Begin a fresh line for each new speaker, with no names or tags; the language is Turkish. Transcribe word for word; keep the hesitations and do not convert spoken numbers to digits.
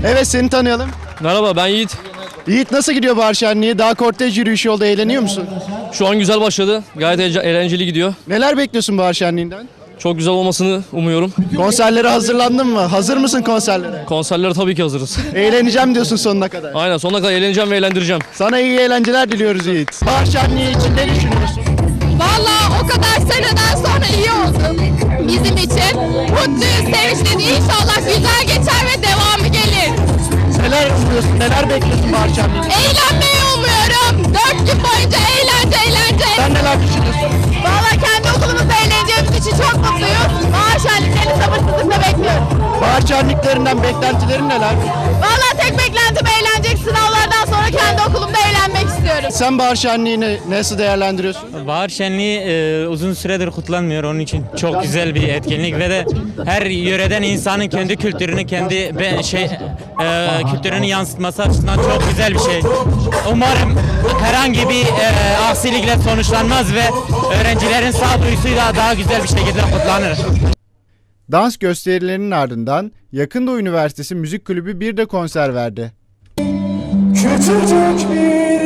Evet, seni tanıyalım.
Merhaba, ben Yiğit.
Yiğit, nasıl gidiyor bahar şenliği? Daha kortej yürüyüşü yolda, eğleniyor musun?
Şu an güzel başladı. Gayet eğlence- eğlenceli gidiyor.
Neler bekliyorsun bahar şenliğinden?
Çok güzel olmasını umuyorum.
Konserlere hazırlandın mı? Hazır mısın konserlere?
Konserlere tabii ki hazırız.
Eğleneceğim diyorsun sonuna kadar.
Aynen, sonuna kadar eğleneceğim ve eğlendireceğim.
Sana iyi eğlenceler diliyoruz Yiğit. Bahar şenliği için ne düşünüyorsun?
Vallahi o kadar seneden sonra iyi oldu bizim için. Mutluyuz, sevinçliyiz. İnşallah güzel geçer ve devamı gelir.
Neler umuyorsun? Neler bekliyorsun bahar şenliğinden?
Eğlenmeyi umuyorum. Dört gün boyunca eğlence, eğlence.
Sen neler düşünüyorsun?
Vallahi kendi okulumuzda eğleneceğimiz için çok mutluyuz. Bahar şenliklerini sabırsızlıkla bekliyoruz.
Bahar şenliklerinden beklentilerin neler?
Vallahi tek beklentim eğlenecek. Sınavlardan sonra kendi okulumda eğlenmek istiyorum.
Sen bahar şenliğini nasıl değerlendiriyorsun?
Bahar şenliği e, uzun süredir kutlanmıyor, onun için çok güzel bir etkinlik ve de her yöreden insanın kendi kültürünü, kendi be, şey e, kültürünü yansıtması açısından çok güzel bir şey. Umarım herhangi bir e, aksilikle sonuçlanmaz ve öğrencilerin sağduyusuyla daha güzel bir şekilde kutlanır.
Dans gösterilerinin ardından Yakın Doğu Üniversitesi Müzik Kulübü bir de konser verdi.
Küçücük bir